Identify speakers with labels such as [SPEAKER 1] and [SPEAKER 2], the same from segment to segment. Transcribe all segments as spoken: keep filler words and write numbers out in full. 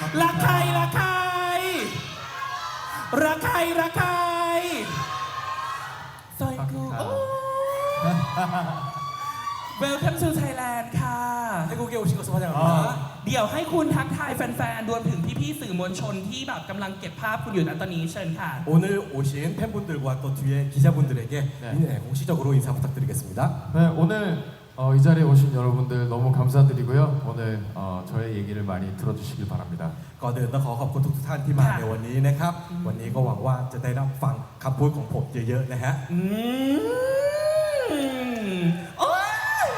[SPEAKER 1] รักใครรักใครรักใครรักใครซอยกูโอ้ Welcome to Thailand ค่ะ
[SPEAKER 2] 태국에 오신 것을 환영합니다.
[SPEAKER 1] เดี๋ยวให้คุณทักทายแฟนๆรวมถึงพี่ๆสื่อมวลชนที่แบบกำลังเก็บภาพคุณอยู่ณตอนนี้เชิญค่ะ
[SPEAKER 2] 오늘 오신 팬분들과 또 뒤에 기자분들에게
[SPEAKER 3] 네.
[SPEAKER 2] 네, 공식적으로 인사 부탁드리겠습니다.
[SPEAKER 3] 네, 오늘 어, 이 자리에 오신 여러분들 너무 감사드리고요. 오늘 어, 저의 얘기를 많이 들어주시길 바랍니다.
[SPEAKER 2] ก่อนอื่นต้องขอขอบคุณทุกท่านที่มาในวันนี้นะครับ วันนี้ก็หวังว่าจะได้รับฟังคำพูดของผมเยอะๆนะฮะ
[SPEAKER 1] อืมโอ้ย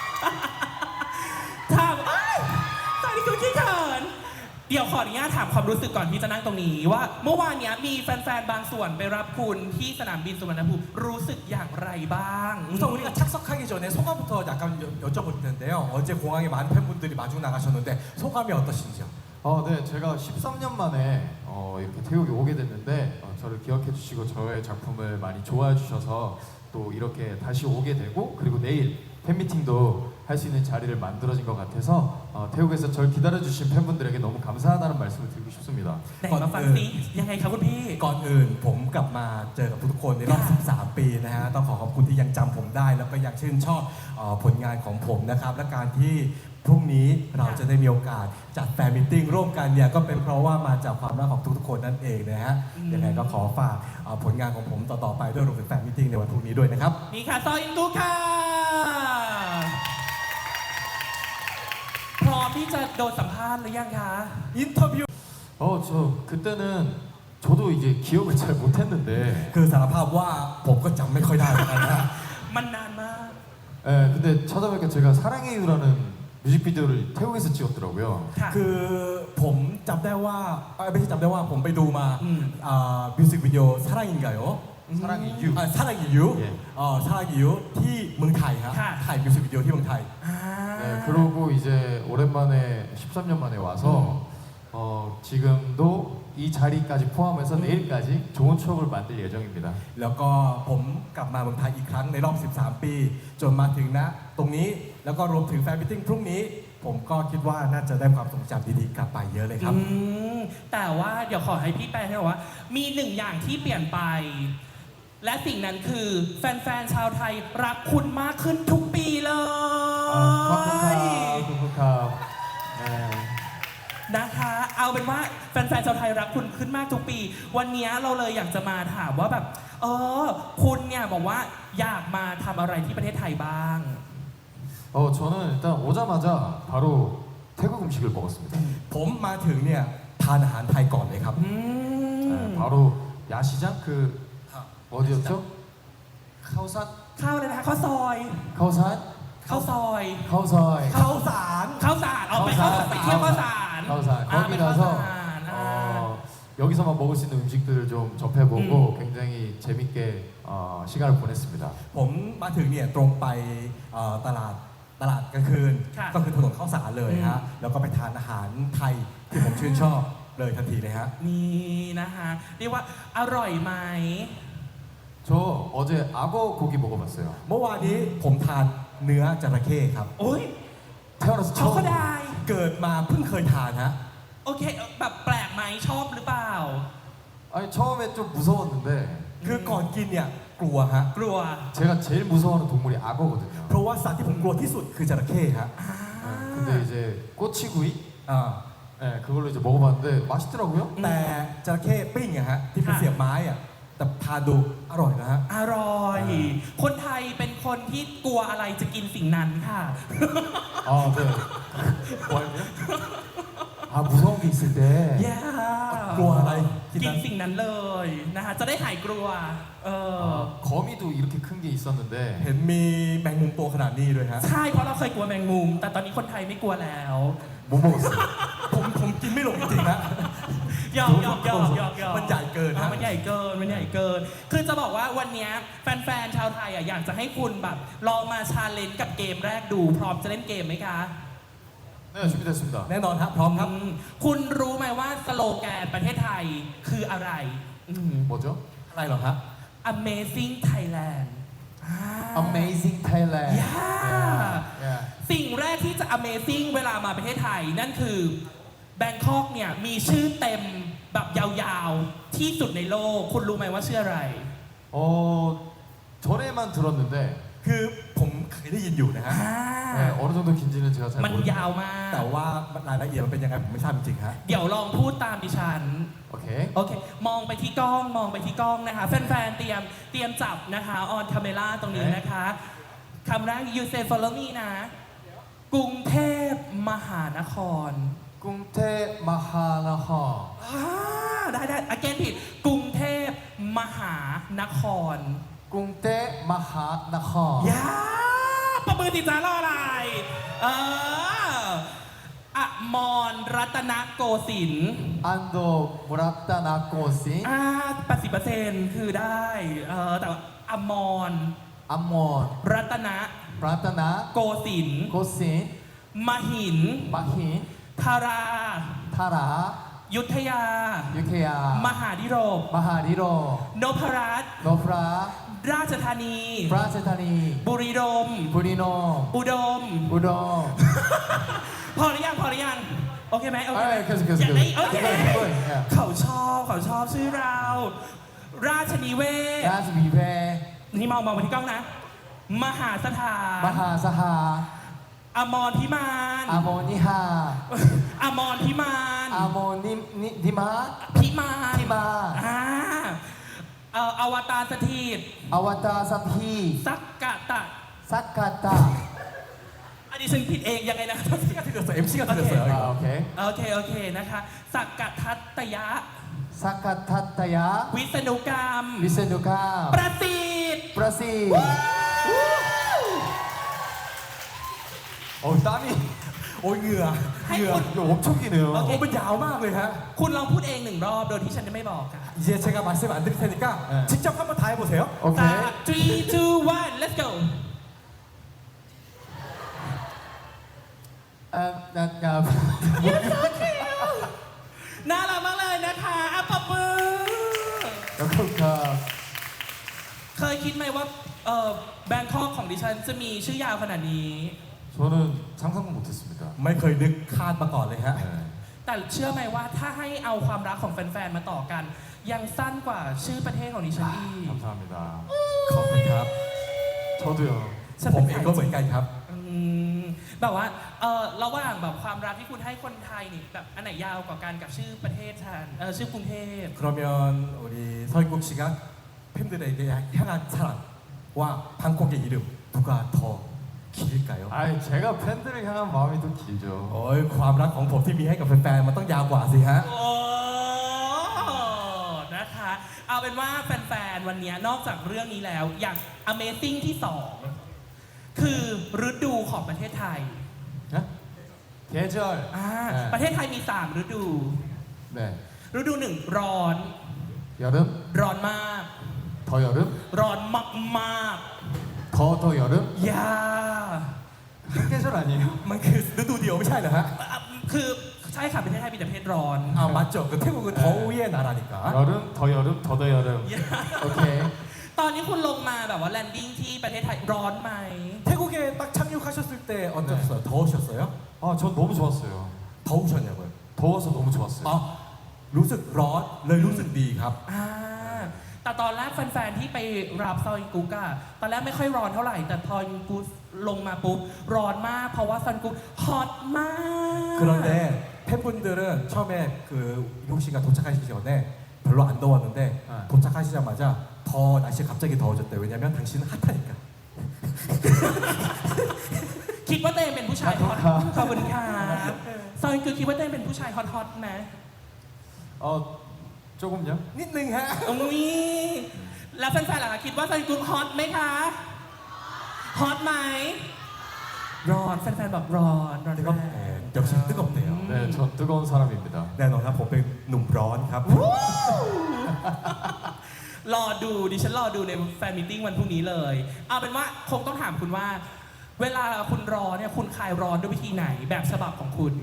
[SPEAKER 1] ถามเอ้ยตอนนี้คือขี้เขินเดี๋ยวขออนุญาตถามความรู้สึกก่อนที่จะนั่งตรงนี้ว่าเมื่อวานนี้มีแฟนๆบางส่วนไปรับคุณที่สนามบินสุวรรณภูมิรู้สึกอย่างไรบ้าง
[SPEAKER 2] 우선 우리가 착석하기 전에 소감부터 약간 여, 여쭤볼 텐데요. 어제 공항에 많은 팬분들이 마중 나가셨는데 소감이 어떠신지요?
[SPEAKER 3] 어, 네, 제가 십삼 년 만에 어, 이렇게 태국에 오게 됐는데 어, 저를 기억해 주시고 저의 작품을 많이 좋아해 주셔서 또 이렇게 다시 오게 되고 그리고 내일 팬미팅도 할 수 있는 자리를 만들어진 것 같아서 어, 태국에서 절 기다려주신 팬분들에게 너무 감사하다는 말씀을 드리고 싶습니다.
[SPEAKER 1] ไหนมาฟังซิยังไงครับคุณพี่
[SPEAKER 2] ก่อนอื่นผมกลับมาเจอกับทุกๆคนในรอบ สิบสาม ปีนะฮะต้องขอขอบคุณที่ยังจำผมได้ แล้วก็ยังชื่นชอบเอ่อผลงานของผมนะครับและการที่พรุ่งนี้เราจะได้มีโอกาสจัดแฟนมิทติ้งร่วมกันเนี่ยก็เป็นเพราะว่ามาจากความรักของทุกๆคนนั่นเองนะฮะยังไงก็ขอฝากเอ่อผลงานของผมต่อๆไปด้วยรวมถึงแฟนมิทติ้งในวันพรุ่งนี้ด้วยนะครับ
[SPEAKER 1] นี่ค่ะซอยอินดูค่ะพร้อมที่จะโดนสัมภาษณ์หรือยังคะ
[SPEAKER 2] 인터뷰
[SPEAKER 3] 어, 저 그때는 저도 이제 기억을 잘 못했는데
[SPEAKER 2] คือสารภาพว่าผมก็จำไม่ค่อยได้เหมือนกันนะ
[SPEAKER 1] มันนานมาก
[SPEAKER 3] 예, 근데 찾아보니까 제가 사랑의 이유라는 뮤직비디오를 태국에서 찍었더라고요.
[SPEAKER 1] ค่ะ
[SPEAKER 2] คือผมจำได้ว่าเอ้ยไม่ใช่จำได้ว่าผมไปดูมา
[SPEAKER 1] อืม
[SPEAKER 2] อ่ามิวสิกวิดีโอซาร่าอินไกโอ
[SPEAKER 3] 사랑의 이유.
[SPEAKER 2] อ่าซาร่าอิยู
[SPEAKER 3] เย่
[SPEAKER 2] อ๋อซาร่าอิยูที่เมืองไทยครับ
[SPEAKER 1] ค่ะ
[SPEAKER 2] ถ่ายมิวสิกวิดีโอที่เมืองไทย
[SPEAKER 1] อ่า
[SPEAKER 3] 네, 그러고 이제 오랜만에 십삼 년 만에 와서 어, 지금도 이 자리까지 포함해서 내일까지 좋은 추억을 만들 예정입니다.
[SPEAKER 2] แล้วก็ผมกลับมาเมืองไทยอีกครั้งในรอบ สิบสาม ปี จนมาถึงณตรงนี้แล้วก็รวมถึงแฟนมิทติ้งพรุ่งนี้ ผมก็คิดว่าน่าจะได้ความทรงจำดีๆกลับไปเยอะเลยครับ
[SPEAKER 1] อืมแต่ว่าเดี๋ยวขอให้พี่แปลให้บอกว่า มีหนึ่งอย่างที่เปลี่ยนไป และสิ่งนั้นคือแฟนๆชาวไทยรักคุณมากขึ้นทุกปีเลย
[SPEAKER 3] 아, 쿵쿵카, 쿵쿵카. 네.
[SPEAKER 1] นะคะ เอาเป็นว่าแฟนๆชาวไทยรักคุณขึ้นมากทุกปี วันนี้เราเลยอยากจะมาถามว่าแบบ เออ คุณเนี่ยบอกว่าอยากมาทำอะไรที่ประเทศไทยบ้าง
[SPEAKER 3] 어, 저는 일단 오자마자 바로 태국 음식을 먹었습니다.
[SPEAKER 2] ผมมาถึงเนี่ยทานอาหารไทยก่อนเลยครับ
[SPEAKER 1] อืม
[SPEAKER 3] 네, 바로 야시장 그 어디였죠? 카오산?
[SPEAKER 1] ข้าวเลยนะคะข้าวซอย
[SPEAKER 3] 카오산?
[SPEAKER 1] ข้าวซอย
[SPEAKER 3] 카오사이.
[SPEAKER 2] ข้าวสาร
[SPEAKER 1] ข้าวสารเอาไปเข้าไปเที่ยวข้าวสาร
[SPEAKER 3] 카오산.
[SPEAKER 1] อ่า
[SPEAKER 3] 거기
[SPEAKER 1] ไปข้าวสา
[SPEAKER 3] 가서
[SPEAKER 1] รอ่า
[SPEAKER 3] 어, 여기서만 먹을 수 있는 음식들을 좀 접해보고
[SPEAKER 1] 음.
[SPEAKER 3] 굉장히 재밌게 어, 시간을 보냈습니다.
[SPEAKER 2] ผมมาถึงเนี่ยตรงไปเอ่อตลาดตลาดกลางคืน
[SPEAKER 1] ค่ะ
[SPEAKER 2] ก็คือถนนข้าวสารเลยฮะแล้วก็ไปทานอาหารไทยที่ผมชื่นชอบเลยทันทีเลยฮะ
[SPEAKER 1] นี่นะคะเรียกว่าอร่อยไหม
[SPEAKER 3] 저 어제 악어 고기 먹어봤어요.
[SPEAKER 2] เมื่อวานนี้ผมทานเนื้อจระเข้ครับ
[SPEAKER 1] โอ้ย
[SPEAKER 3] 태어나서
[SPEAKER 1] ช็อกโก
[SPEAKER 3] 처음.
[SPEAKER 1] ได
[SPEAKER 2] เกิดมาเพิ่งเคยทานฮะ
[SPEAKER 1] โอเคแบบแปลกไหมชอบหรือเปล่า
[SPEAKER 3] 아니 처음에 좀 무서웠는데
[SPEAKER 2] คือก่อนกินเนี่ยกลัวฮะ
[SPEAKER 1] กลัว
[SPEAKER 3] 제가 제일 무서워하는 동물이 악어거든요.
[SPEAKER 2] เพราะว่าสัตว์ที่ผมกลัวที่สุดคือจระเข้ฮะ
[SPEAKER 1] อ่า
[SPEAKER 3] 네, 근데 이제 꼬치구이
[SPEAKER 2] อ่า
[SPEAKER 3] 네, 그걸로 이제 먹어봤는데 맛있더라고요.
[SPEAKER 2] แต่จระเข้ปิ้งอะฮะที่เป็น
[SPEAKER 1] ค่ะ
[SPEAKER 2] เสียบไม้อะแต่ทานดูอร่อยนะฮะ
[SPEAKER 1] อร่อย คนไทยเป็นคนที่กลัวอะไรจะกินสิ่งนั้นค่ะ
[SPEAKER 3] 아, 네. 뭐였냐? 아, 무서운 게 있을 때.
[SPEAKER 1] ย่าก
[SPEAKER 2] ลัวอะไรกิน
[SPEAKER 1] กิน
[SPEAKER 2] นั้น
[SPEAKER 1] สิ่งนั้นเลยนะคะจะได้หายกลัวเออ
[SPEAKER 3] 아, 거미도 이렇게 큰 게 있었는데
[SPEAKER 2] เห็นมีแมงมุมตัวขนาดนี้ด้วยฮะ
[SPEAKER 1] ใช่เพราะเราเคยกลัวแมงมุม แต่ตอนนี้คนไทยไม่กลัวแล้ว
[SPEAKER 3] 못 먹었어요.
[SPEAKER 2] ผมผมกินไม่ลงจริงๆนะ
[SPEAKER 1] หยอกหยอกหยอกหยอกหยอก
[SPEAKER 2] มันใหญ่เกินนะ
[SPEAKER 1] อ่ะมันใหญ่เกินมันใหญ่เกิน คือจะบอกว่าวันเนี้ยแฟนๆชาวไทยอ่ะอยากจะให้คุณแบบลองมาชาเลนจ์กับเกมแรกดูพร้อมจะเล่นเกมไหมคะ
[SPEAKER 3] 네, 준비됐습니다.
[SPEAKER 2] แน่นอนครับพร้อมครับ
[SPEAKER 1] อืมคุณรู้ไหมว่าสโลแกนประเทศไทยคืออะไรอืม
[SPEAKER 3] 뭐죠?
[SPEAKER 2] อะไรเหรอครับ
[SPEAKER 1] Amazing Thailand อ่า
[SPEAKER 3] Amazing Thailand.
[SPEAKER 1] Yeah.
[SPEAKER 3] yeah.
[SPEAKER 1] สิ่งแรกที่จะ Amazing เวลามาประเทศไทยนั่นคือแบงคอกเนี่ยมีชื่อเต็มแบบยาวๆ ที่สุดในโลก คุณรู้ไหมว่าชื่ออะไร
[SPEAKER 3] 어 전에만 들었는데
[SPEAKER 2] คือผมเคยได้ยินอยู่นะฮะ
[SPEAKER 1] อ่า
[SPEAKER 3] 네, 어느 정도 긴지는 제가 잘
[SPEAKER 1] มัน
[SPEAKER 3] 모르겠어요.
[SPEAKER 1] ยาวมาก
[SPEAKER 2] แต่ว่ารายละเอียดมันเป็นยังไงผมไม่ทราบจริงๆฮะ
[SPEAKER 1] เดี๋ยวลองพูดตามดิฉัน
[SPEAKER 3] 오케이.
[SPEAKER 1] โอเค มองไปที่กล้อง มองไปที่กล้องนะคะ แฟนๆ เตรียม เตรียมจับนะคะ ออนคาเมล่าตรงนี้นะคะคำแรก you say follow me นะ กรุงเทพมหานคร
[SPEAKER 3] 꿍태 마하나하.
[SPEAKER 1] อ่าได้ได้ again ผิด กรุงเทพมหานคร
[SPEAKER 3] 꿍태 마하나하.
[SPEAKER 1] ยาประมือติดจารออะไร เอออะมรรัตนโกสินทร์
[SPEAKER 3] 안도 무라타나 꼬신.
[SPEAKER 1] อ่าแปดสิบเปอร์เซ็นต์คือได้ เออแต่ว่าอมร
[SPEAKER 3] 암몬.
[SPEAKER 1] รัตน
[SPEAKER 3] 브라타나
[SPEAKER 1] โกสินทร์
[SPEAKER 3] 꼬신.
[SPEAKER 1] มหิน
[SPEAKER 3] 마힌.
[SPEAKER 1] ธารา
[SPEAKER 3] 타라.
[SPEAKER 1] ยุทธยา
[SPEAKER 3] 유케야.
[SPEAKER 1] มหาดิโรก
[SPEAKER 3] 마하리로.
[SPEAKER 1] นพรัตน์
[SPEAKER 3] 노프라.
[SPEAKER 1] ราชธานี
[SPEAKER 3] 브라세타니.
[SPEAKER 1] บุรีรมย์
[SPEAKER 3] 브리노.
[SPEAKER 1] อุดม
[SPEAKER 3] 우동.
[SPEAKER 1] พอหรือยังพอหรือยัง โอเคไหมโอเคไหม
[SPEAKER 3] 아, 계속 계속
[SPEAKER 1] อยากได้
[SPEAKER 3] 계속.
[SPEAKER 1] โอเค
[SPEAKER 3] 이거 이거. 예.
[SPEAKER 1] เขาชอบเขาชอบชื่อเรา ราชนิเวศ
[SPEAKER 3] 야스미베.
[SPEAKER 1] นี่มองมองไปที่กล้องนะ มหาสถาน
[SPEAKER 3] 마하사하.
[SPEAKER 1] อมรพิมาน
[SPEAKER 3] 아모니하.
[SPEAKER 1] อมรพิมาน
[SPEAKER 3] 아모님 니, 니마.
[SPEAKER 1] พิมาน
[SPEAKER 3] พิมาน
[SPEAKER 1] อ่าเอ่ออวตารสถิต
[SPEAKER 3] 아와타 사피.
[SPEAKER 1] สักกะตะ
[SPEAKER 3] 사카타.
[SPEAKER 1] อันนี้ฉันผิดเองยังไงนะ
[SPEAKER 2] 엠씨가 들렸어요. 엠씨가 들렸어요.
[SPEAKER 3] 아,
[SPEAKER 2] 이거.
[SPEAKER 3] 오케이.
[SPEAKER 1] โอเค โอเคนะคะ สักกะทัตตยะ
[SPEAKER 3] 사카타타야.
[SPEAKER 1] วิษณุกรรม
[SPEAKER 3] 미세누카.
[SPEAKER 1] ประสิทธิ์
[SPEAKER 3] 브라시. 어 땀이.
[SPEAKER 2] 오เหงื่อ
[SPEAKER 1] ให้
[SPEAKER 2] เหงื่อ
[SPEAKER 1] คุณ
[SPEAKER 3] 이거 엄청 기네요.
[SPEAKER 1] โอเค
[SPEAKER 2] โอ้มันยาวมากเลยฮะ
[SPEAKER 1] คุณลองพูดเองหนึ่งรอบโดยที่ฉันจะไม่บอกค่ะ
[SPEAKER 2] 이제 제가 말씀 안 드릴 테니까
[SPEAKER 3] 네.
[SPEAKER 2] 직접 한번 다 해보세요.
[SPEAKER 1] สาม
[SPEAKER 3] 오케이.
[SPEAKER 1] three two one let's go
[SPEAKER 3] 아, 나, 나.
[SPEAKER 1] น่ารักมากเลยนะคะอ่ะปรบมือ
[SPEAKER 3] 여코카.
[SPEAKER 1] เคยคิดไหมว่าเออแบงคอกของดิฉันจะมีชื่อยาวขนาดนี้
[SPEAKER 3] 저는 상상도 못했습니다.
[SPEAKER 2] ไม่เคยนึกคาดมาก่อนเลยฮะ
[SPEAKER 3] 네.
[SPEAKER 1] แต่เชื่อไหมว่าถ้าให้เอาความรักของแฟนๆ มาต่อกัน ยังสั้นกว่าชื่อประเทศของดิฉันอีก
[SPEAKER 3] 감사합니다.
[SPEAKER 2] ขอบคุณครับ
[SPEAKER 3] 저도요.
[SPEAKER 1] ฉัน
[SPEAKER 2] ผ
[SPEAKER 1] เป็
[SPEAKER 2] ม
[SPEAKER 1] น
[SPEAKER 2] เองก็เหมือนกันครับ
[SPEAKER 1] อืมแบบว่าเออระหว่างแบบความรักที่คุณให้คนไทยนี่แบบอันไหนยาวกว่ากันกับชื่อประเทศฉันเออชื่อกรุงเทพ
[SPEAKER 2] 그러면 우리 서인국 씨가 팬들에게 향한 사랑과 방콕의 이름 누가 더 길까요?
[SPEAKER 3] 아, 제가 팬들을 향한 마음이 더 길죠.
[SPEAKER 2] โอ้ยความรักของผมที่มีให้กับแฟนๆมันต้องยาวกว่าสิฮะ
[SPEAKER 1] โอ้นะคะ เอาเป็นว่าแฟนๆ วันนี้นอกจากเรื่องนี้แล้ว อย่าง Amazing ที่สองคือฤดูของประเทศไทย
[SPEAKER 3] 네? 계절.
[SPEAKER 1] อ่า
[SPEAKER 3] 네.
[SPEAKER 1] ประเทศไทยมีสามฤดู
[SPEAKER 3] 네.
[SPEAKER 1] ฤดูหนึ่งร้อน
[SPEAKER 3] 여름,
[SPEAKER 1] ร้อนมาก
[SPEAKER 3] 더 여름,
[SPEAKER 1] ร้อนมากมาก
[SPEAKER 3] 더 더 여름.
[SPEAKER 1] ๆยา
[SPEAKER 3] 한 계절 아니에요?
[SPEAKER 2] มันคือฤดูเดียวไม่ใช่เหรอฮะ
[SPEAKER 1] อ่ะคือใช่ค่ะประเทศไทยมีแต่ประเทศร้อน
[SPEAKER 2] 아 맞죠. 그 태국은 더위의 나라니까.
[SPEAKER 3] 여름, 더 여름, 더 더 여름.
[SPEAKER 1] ยา
[SPEAKER 3] 오케이.
[SPEAKER 1] ตอนนี้คุณลงมาแบบว่าแลนดิ้งที่ประเทศไทยร้อนไหม
[SPEAKER 2] 태국에 딱 착륙하셨을 때 어떠셨어요? 더우셨어요?
[SPEAKER 3] 아, 전 너무 좋았어요.
[SPEAKER 2] 더우셨냐고요?
[SPEAKER 3] 더워서 너무 좋았어요.
[SPEAKER 2] 아, รู้สึกร้อนเลยรู้สึกดีครับ
[SPEAKER 1] อ่าแต่ตอนแรกแฟนๆ ที่ไปรับซอยกุ๊กอะตอนแรกไม่ค่อยร้อนเท่าไหร่ แต่พอกุ๊กลงมาปุ๊บร้อนมาก เพราะว่าซอยกุ๊กฮอตมาก
[SPEAKER 2] 그런데 팬분들은 처음에 그 이국 씨가 도착하시기 전에 별로 안 더웠는데
[SPEAKER 3] 네.
[SPEAKER 2] 도착하시자마자 더 날씨가 갑자기 더워졌대요. 왜냐면 당신은 핫하니까.
[SPEAKER 1] คิดว่าตัวเองเป็นผู้ชายฮอตขอบคุณค่ะซอยกุ๊กคิดว่าตัวเองเป็นผู้ชายฮอตฮอตๆไหม
[SPEAKER 3] 어, 조금요?
[SPEAKER 2] 니능 하.
[SPEAKER 1] อุ้ยแล้วแฟนๆล่ะคะคิดว่าซอยกุ๊กฮอตไหมคะฮอตไหมร้อนแฟนๆบอกร้อนร้อน
[SPEAKER 2] 뜨겁.
[SPEAKER 1] มาก
[SPEAKER 2] 네, 역시 뜨겁대요.
[SPEAKER 3] 네, 전 뜨거운 사람입니다.
[SPEAKER 2] แน่นอนครับผมเป็นหนุ่มร้อนครับ
[SPEAKER 1] รอดูดิฉันรอดูในแฟนมิทติ้งวันพรุ่งนี้เลย เอาเป็นว่าคงต้องถามคุณว่า เวลาคุณรอเนี่ยคุณคลายร้อนด้วยวิธีไหนแบบฉบับของคุณ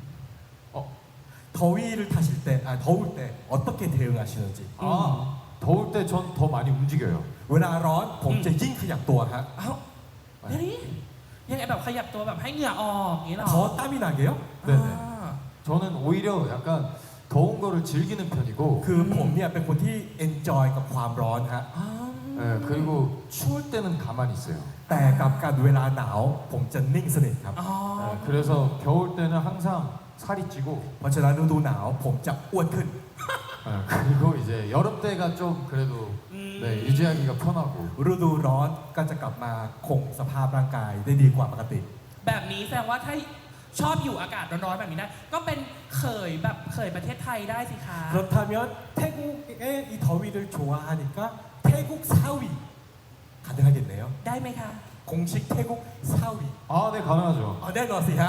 [SPEAKER 2] 더위를 타실 때, 아 더울 때 어떻게 대응하시는지.
[SPEAKER 3] 아, 더울 때 전 더 많이 움직여요.
[SPEAKER 2] เวลาร้อนผมจะยิ่งขยับตัวฮะ
[SPEAKER 1] เอ้าเฮ้ยยังไงแบบขยับตัวแบบให้เหงื่อออกอย่างนี้เหรอ
[SPEAKER 2] 더 땀이 나게요?
[SPEAKER 3] 네네.
[SPEAKER 1] อ่า
[SPEAKER 3] 전 저는 오히려 약간 더운 거를 즐기는 편이고
[SPEAKER 2] คือผมเนี่ยเป็นคนที่ enjoy กับความร้อนฮะ
[SPEAKER 3] 예, 그리고 추울 때는 가만히 있어요.
[SPEAKER 2] แต่กับการเวลาหนาวผมจะนิ่งสนิทครับ
[SPEAKER 1] อ๋อ
[SPEAKER 3] 예, 그래서 겨울 때는 항상 살이 찌고
[SPEAKER 2] เพราะฉะนั้นฤดูหนาวผมจะอ้วนขึ้น
[SPEAKER 3] 예, 그리고 이제 여름 때가 좀 그래도 네, 유지하기가 편하고
[SPEAKER 2] ฤดูร้อนก็จะกลับมาคงสภาพร่างกายได้ดีกว่าปกติ
[SPEAKER 1] แบบนี้แสดงว่าถ้าชอบอยู่อากาศร้อนๆแบบนี้ได้ก็เป็นเขยแบบเขยประเทศไทยได้สิคะ
[SPEAKER 2] 그렇다면 태국의 이 더위를 좋아하니까 태국 사위 가능하겠네요.
[SPEAKER 1] ได้ไหมคะ
[SPEAKER 2] 공식 태국 사위.
[SPEAKER 3] 아, 네 가능하죠.
[SPEAKER 2] 아, 내놓으세요.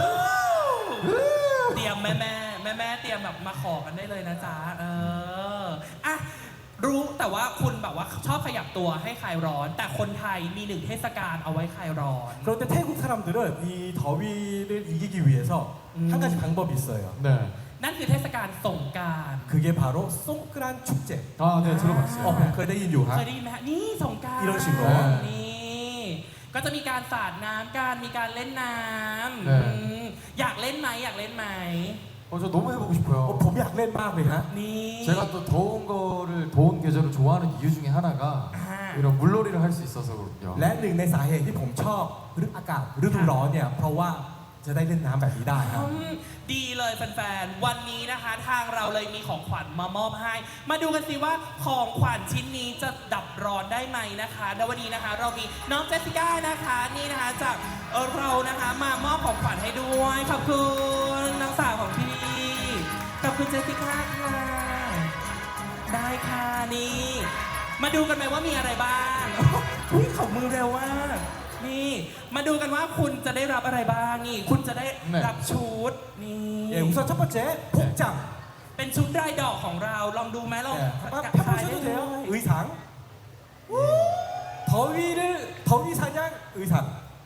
[SPEAKER 1] เตรียมแม่แม่แม่แม่ๆเตรียมแบบมาขอกันได้เลยนะจ๊ะเอออ่ะรู้แต่ว่าคุณแบบว่าชอบขยับตัวให้คลายร้อน แต่คนไทยมีหนึ่งเทศกาลเอาไว้คลายร้อน
[SPEAKER 2] 그런데 태국 사람들은 이 더위를 이기기 위해서
[SPEAKER 1] 음.
[SPEAKER 2] 한 가지 방법이 있어요.
[SPEAKER 3] 네.
[SPEAKER 1] นั่นคือเทศกาลสงกราร
[SPEAKER 2] 그게 바로 송크란 축제.
[SPEAKER 3] 아, 네 들어봤어요.
[SPEAKER 2] 어,ผมเคยได้ยินอยู่ฮะ
[SPEAKER 1] เคยได้ยินไหมฮะนี่สงกราร
[SPEAKER 2] อีโรชิโร่
[SPEAKER 1] นี่ก็จะมีการสาดน้ำกันมีการเล่นน้ำ
[SPEAKER 3] เออ
[SPEAKER 1] อืมอยากเล่นไหมอยากเล่นไหม
[SPEAKER 3] 어, 저 너무 해보고 싶어요.
[SPEAKER 2] 어, 봄이 약렌 마음이 하.
[SPEAKER 1] นี่
[SPEAKER 3] 제가 또 더운 거를 더운 계절을 좋아하는 이유 중에 하나가
[SPEAKER 1] 아.
[SPEAKER 3] 이런 물놀이를 할 수 있어서 그렇군요.
[SPEAKER 2] และหนึ่งในสาเหตุที่ผมชอบฤดูอากาศฤดูร้อนเนี่ยเพราะว่าจะได้เล่นน้ำแบบนี้ได้ครับ
[SPEAKER 1] อืมดีเลยแฟนๆ วันนี้นะคะ ทางเราเลยมีของขวัญมามอบให้ มาดูกันสิว่าของขวัญชิ้นนี้จะดับร้อนได้ไหมนะคะแล้ววันนี้นะคะ เรามีน้องเจสสิก้านะคะนี่นะคะจากเอ่อเรานะคะมามอบของขวัญให้ด้วยขอบคุณน้องสาวของพี่ขอบคุณเจสสิก้าค่ะได้ค่ะนี่ มาดูกันไหมว่ามีอะไรบ้างอุ้ยเขามือเร็วมากนี่มาดูกันว่าคุณจะได้รับอะไรบ้างนี่คุณจะได้รับชุดนี่
[SPEAKER 2] 예, 우선 첫 번째 복장.
[SPEAKER 1] เป็นชุดรายดอกของเราลองดูไหมลอง
[SPEAKER 2] 예,
[SPEAKER 1] กะ
[SPEAKER 2] 한번
[SPEAKER 1] ถ่ายได้
[SPEAKER 2] 펴보셔도
[SPEAKER 1] เล
[SPEAKER 2] 돼요.
[SPEAKER 1] ย
[SPEAKER 2] 의상. 예. 더위를 더위 사냥 의상.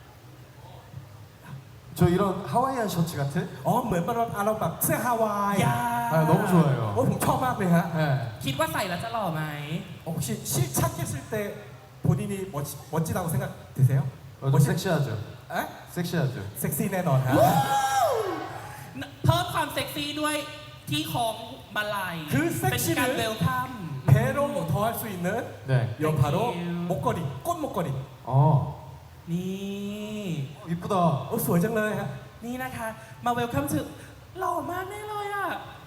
[SPEAKER 3] 저 이런 하와이안 셔츠 같은?
[SPEAKER 2] 어, เหมือนมันอารมณ์แบบเสื้อฮาวาย
[SPEAKER 1] ยา
[SPEAKER 3] 아, 너무 좋아요.
[SPEAKER 2] โอ้ผมชอบมากเลยฮะ
[SPEAKER 3] 네.
[SPEAKER 1] คิดว่าใส่แล้วจะหล่อไหม
[SPEAKER 2] 혹시 실착했을 때 본인이 멋, 멋지다고 생각 드세요?
[SPEAKER 3] 어, 좀 섹시하죠.
[SPEAKER 2] 에?
[SPEAKER 3] 섹시하죠.
[SPEAKER 2] 섹시 내넌 하.
[SPEAKER 1] เพิ่มความเซ็กซี่ด้วยที่ของมาลัย
[SPEAKER 2] คือเซ็ก
[SPEAKER 1] เป็น
[SPEAKER 2] ซี่
[SPEAKER 1] การ
[SPEAKER 2] เลย
[SPEAKER 1] เวลคัม
[SPEAKER 2] 배로 더할 수 있는
[SPEAKER 3] 네.
[SPEAKER 2] 여 바로
[SPEAKER 1] Thank you.
[SPEAKER 2] 목걸이, 꽃 목걸이.
[SPEAKER 3] 어,
[SPEAKER 1] นี่
[SPEAKER 3] 이쁘다.
[SPEAKER 2] 어, สวยจังเลยฮะ
[SPEAKER 1] นี่นะคะมาเวลคัมถึงหล่อมากแน่เลยอ่ะ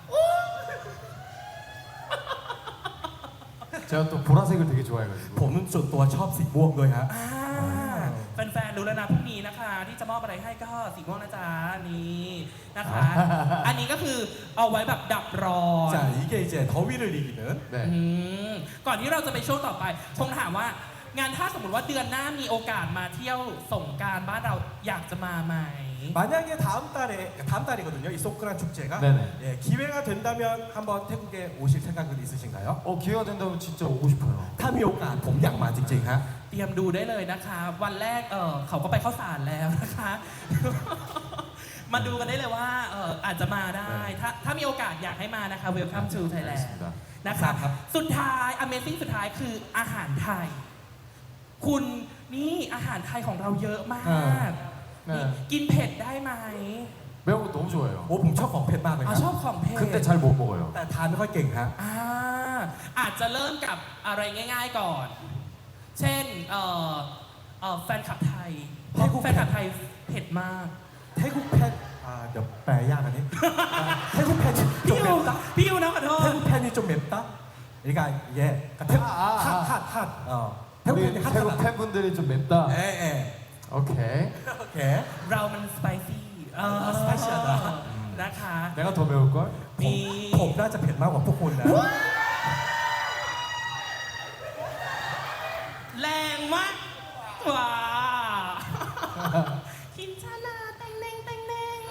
[SPEAKER 3] 제가 또 보라색을 되게 좋아해가지고.
[SPEAKER 2] ผมส่วนตัวชอบสีม่วงด้วยฮะ
[SPEAKER 1] อ่าแฟนๆรู้แล้วนะพรุ่งนี้นะคะ ที่จะมอบอะไรให้ก็สีม่วงนะจ๊ะนี่นะคะ อันนี้ก็คือเอาไว้แบบดับร้อน
[SPEAKER 2] 자, 이게 이제 더위를 이기는
[SPEAKER 1] อื
[SPEAKER 3] 네.
[SPEAKER 1] มก่อนที่เราจะไปช่วงต่อไปคงถามว่า งานถ้าสมมติว่าเดือนหน้ามีโอกาสมาเที่ยวสงกรานต์บ้านเราอยากจะมาไหม
[SPEAKER 2] 만약에 다음 달에 다음 달이거든요. 이 소크란 축제가
[SPEAKER 3] 네네.
[SPEAKER 2] 예, 기회가 된다면 한번 태국에 오실 생각은 있으신가요?
[SPEAKER 3] 어, 기회가 된다면 진짜 오고 싶어요.
[SPEAKER 2] ถ้ามีโอกาสผมอยากมาจริงๆฮะ
[SPEAKER 1] เตรียมดูได้เลยนะคะ วันแรกเออเขาก็ไปเข้าสารแล้วนะคะ มาดูกันได้เลยว่าเอออาจจะมาได้ ถ้าถ้ามีโอกาสอยากให้มานะคะ Welcome to Thailand
[SPEAKER 3] 알겠습니다.
[SPEAKER 1] นะคะสุดท้าย Amazing สุดท้ายคืออาหารไทย คุณนี่อาหารไทยของเราเยอะมาก
[SPEAKER 3] เออ
[SPEAKER 1] นี่กินเผ็ดได้ไหม
[SPEAKER 3] 매운 거 너무 좋아해요.
[SPEAKER 2] โอ้ผมชอบของเผ็ดมากเลย
[SPEAKER 1] อ๋อ
[SPEAKER 2] ค
[SPEAKER 1] ช
[SPEAKER 2] รั
[SPEAKER 1] อ
[SPEAKER 2] บบ
[SPEAKER 1] ของเผ็ด
[SPEAKER 3] 근데 잘 못 먹어요.
[SPEAKER 2] แต่ทานไม่ค่อยเก่งฮะ
[SPEAKER 1] อ่าอาจจะเริ่มกับอะไรง่าย ๆก่อน เช่นเอ่อเอ่อแฟนคลับไทยเพราะแฟนคลับไทยเผ็ดมาก
[SPEAKER 2] 태국 팬 아, เดี๋ยวแปลยากอันนี้ 태국 팬이
[SPEAKER 1] พี่
[SPEAKER 2] 좀
[SPEAKER 1] ยู
[SPEAKER 2] 맵다.
[SPEAKER 1] พี่ยูนะขอโทษ
[SPEAKER 2] 태국 팬이 좀 맵다. 그러니까 예, 그러니까 태국
[SPEAKER 3] 아, 아, 아.
[SPEAKER 2] 핫핫핫. 어. 태국
[SPEAKER 3] 우리
[SPEAKER 2] 팬이
[SPEAKER 3] 태국
[SPEAKER 2] 핫하다.
[SPEAKER 3] 팬분들이 좀 맵다.
[SPEAKER 2] 예, 예.
[SPEAKER 3] 오케이.
[SPEAKER 2] 오케이.
[SPEAKER 1] เรามันสไปซี่เออ
[SPEAKER 2] อ่า spicy-하다
[SPEAKER 1] นะคะ
[SPEAKER 3] 내가 더 매울 걸?
[SPEAKER 2] ผม
[SPEAKER 1] นี่
[SPEAKER 2] ผมน่าจะเผ็ดมากกว่าพวกคุณนะ
[SPEAKER 1] แรงมากว้าคินชานาแตงเน่งแตงเน่ง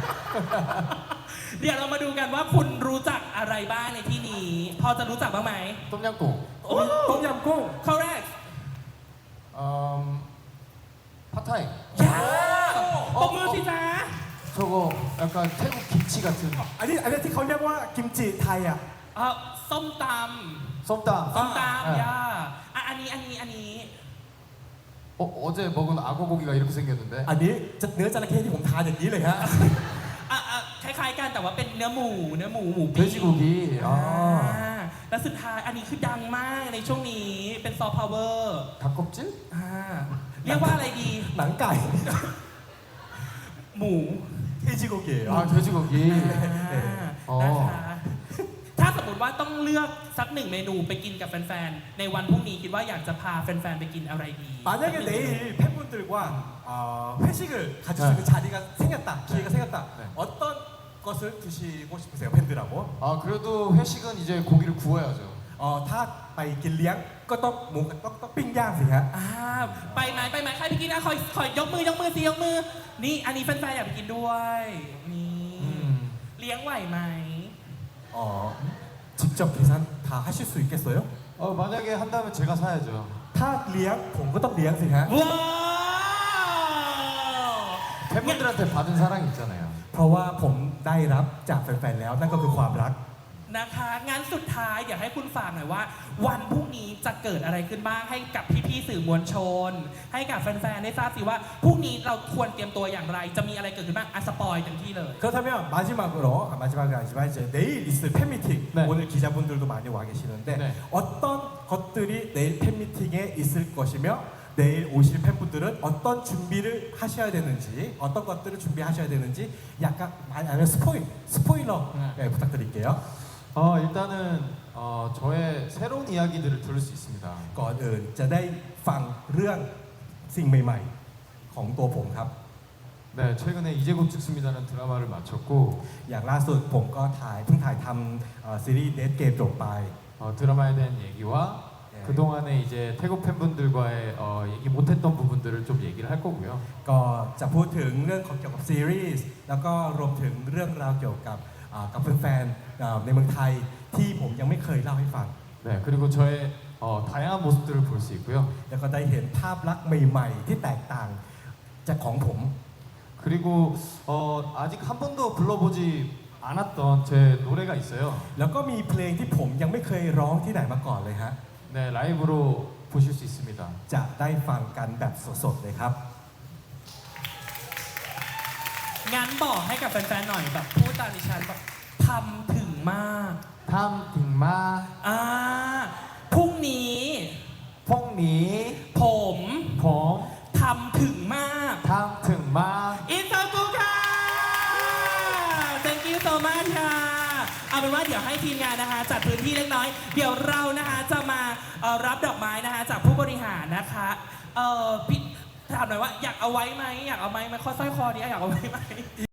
[SPEAKER 1] เดี๋ยวเรามาดูกันว่าคุณรู้จักอะไรบ้างในที่นี้ พอจะรู้จักบ้างไหม
[SPEAKER 3] 똠양꿍.
[SPEAKER 1] โอ้
[SPEAKER 2] ต้มยำกุ้ง
[SPEAKER 1] correct
[SPEAKER 3] 음, 팟타이.
[SPEAKER 1] ยาปกมือสิจ๊ะ
[SPEAKER 3] 저거 약간 태국 김치 같은
[SPEAKER 2] อันนี้อันนี้ที่เขาเรียกว่ากิมจิไทยอ่ะ
[SPEAKER 1] เอ่อส้มต
[SPEAKER 3] 썸땀.
[SPEAKER 1] ำส้มต
[SPEAKER 3] 아,
[SPEAKER 1] ำยาอ่ะอันนี้อันนี้อันนี้
[SPEAKER 3] 어, 어제 먹은 악어 고기가 이렇게 생겼는데.
[SPEAKER 2] อันนี้จะเนื้อจระเข้ที่ผมทานอย่างนี้เลยฮะ
[SPEAKER 1] อ่ะอ่ะคล้ายๆายๆกันแต่ว่าเป็นเนื้อหมูเนื้อหมูหมูปิ้ง
[SPEAKER 3] 돼지고기.
[SPEAKER 1] อ่า
[SPEAKER 3] 아.
[SPEAKER 1] และสุดท้ายอันนี้คือดังมากในช่วงนี้เป็นซอฟต์พาวเวอร์
[SPEAKER 3] 닭껍질?
[SPEAKER 1] อ่าเรียกว่าอะไรดี
[SPEAKER 2] หนังไก่
[SPEAKER 1] หมู
[SPEAKER 2] เทจิโกเกะ
[SPEAKER 3] 아, 돼지고기.
[SPEAKER 1] อ่า
[SPEAKER 3] อ๋อ
[SPEAKER 1] นะคะถ้าสมมติว่าต้องเลือกสักหนึ่งเมนูไปกินกับแฟนๆ ในวันพรุ่งนี้คิดว่าอยากจะพาแฟนๆ ไปกินอะไรดี
[SPEAKER 2] 만약에 내일 팬분들과 어, 회식을 가질 수 있는 자리가 생겼다, 기회가 생겼다.
[SPEAKER 3] 네.
[SPEAKER 2] 어떤 것을 드시고 싶으세요, 팬들하고?
[SPEAKER 3] 아, 그래도 회식은 이제 고기를 구워야죠.
[SPEAKER 2] 어, 다ไปกินเลี้ยงก็ต้องหมูต้องต้องปิ้งย่างสิฮะ
[SPEAKER 1] อ่าไปไหมไปไหมใครไปกินนะคอยคอยยกมือยกมือสิยกมือ นี่อันนี้แฟนๆ อยากไปกินด้วยนี่
[SPEAKER 3] 음.
[SPEAKER 1] เลี้ยงไหวไหม
[SPEAKER 2] 어, 직접 계산 다 하실 수 있겠어요?
[SPEAKER 3] 어, 만약에 한다면 제가 사야죠.
[SPEAKER 2] ถ้าเลี้ยงผมก็ต้องเลี้ยงสิฮะ
[SPEAKER 1] ว้าว
[SPEAKER 3] 팬분들한테 받은 사랑이 있잖아요.
[SPEAKER 2] เพราะว่าผมได้รับจากแฟนๆแล้วนั่นก็คือความรัก
[SPEAKER 1] นะคะงั้นสุดท้ายอยากให้คุณฝากหน่อยว่า วันพรุ่งนี้จะเกิดอะไรขึ้นบ้างให้กับพี่ๆสื่อมวลชน ให้กับแฟนๆได้ทราบสิว่าพรุ่งนี้เราควรเตรียมตัวอย่างไร จะมีอะไรเกิดขึ้นบ้างอ่ะสปอยเต็มที่เลย
[SPEAKER 2] 그렇다면 마지막으로 아, 마지막이 아니지만 이제 내일 있을 팬미팅
[SPEAKER 3] 네.
[SPEAKER 2] 오늘 기자분들도 많이 와 계시는데
[SPEAKER 3] 네.
[SPEAKER 2] 어떤 것들이 내일 팬미팅에 있을 것이며 내일 오실 팬분들은 어떤 준비를 하셔야 되는지 어떤 것들을 준비하셔야 되는지 약간 많이 아니면 스포일 스포일러
[SPEAKER 3] 네.
[SPEAKER 2] 네, 부탁드릴게요.
[SPEAKER 3] 어, 일단은 어, 저의 새로운 이야기들을 들을 수 있습니다.
[SPEAKER 2] ก่อนอื่นจะได้ฟังเรื่องสิ่งใหม่ๆ ของตัวผมครับ
[SPEAKER 3] 네, 최근에 이제 곧 죽습니다는 드라마를 마쳤고
[SPEAKER 2] อย่างล่าสุดผมก็ถ่ายเพิ่งถ่ายทำเอ่อซีรีส์เดทเกมจบไป
[SPEAKER 3] 어, 드라마에 대한 얘기와
[SPEAKER 2] 네.
[SPEAKER 3] 그동안에 이제 태국 팬분들과의 어, 얘기 못했던 부분들을 좀 얘기를 할 거고요.
[SPEAKER 2] ก็จะพูดถึงเรื่องของเกี่ยวกับซีรีส์แล้วก็รวมถึงเรื่องราวเกี่ยวกับอ่ากับแฟนๆอ่าในเมืองไทยที่ผมยังไม่เคยเล่าให้ฟัง
[SPEAKER 3] 네, 그리고 저의 어, 다양한 모습들을 볼 수 있고요.
[SPEAKER 2] แล้วก็ได้เห็นภาพลักษณ์ใหม่ๆ ที่แตกต่างจากของผม
[SPEAKER 3] 그리고 어, 아직 한 번도 불러보지 않았던 제 노래가 있어요.
[SPEAKER 2] แล้วก็มีเพลงที่ผมยังไม่เคยร้องที่ไหนมาก่อนเลยฮะ
[SPEAKER 3] 네, 라이브로 보실 수 있습니다.
[SPEAKER 2] จะได้ฟังกันแบบสดๆเลยครับ
[SPEAKER 1] งั้นบอกให้กับแฟนๆหน่อยแบบพูดตามดิฉันแบบทำถึงมาก
[SPEAKER 3] 탐딩마
[SPEAKER 1] อ่าพรุ่งนี้
[SPEAKER 3] 퐁니
[SPEAKER 1] ผม
[SPEAKER 3] 퐁
[SPEAKER 1] ทำถึงมาก
[SPEAKER 3] 탐등마
[SPEAKER 1] อินเตอร์กูค่ะ thank you so much ค่ะ เอาเป็นว่าเดี๋ยวให้ทีมงานนะคะ จัดพื้นที่เล็กน้อย เดี๋ยวเรานะคะจะมาเอ่อรับดอกไม้นะคะ จากผู้บริหารนะคะเอ่อพี่ถามหน่อยว่าอยากเอาไว้ไหมอยากเอาไหมไหมข้อสร้อยคอนี้อยากเอาไว้ไหม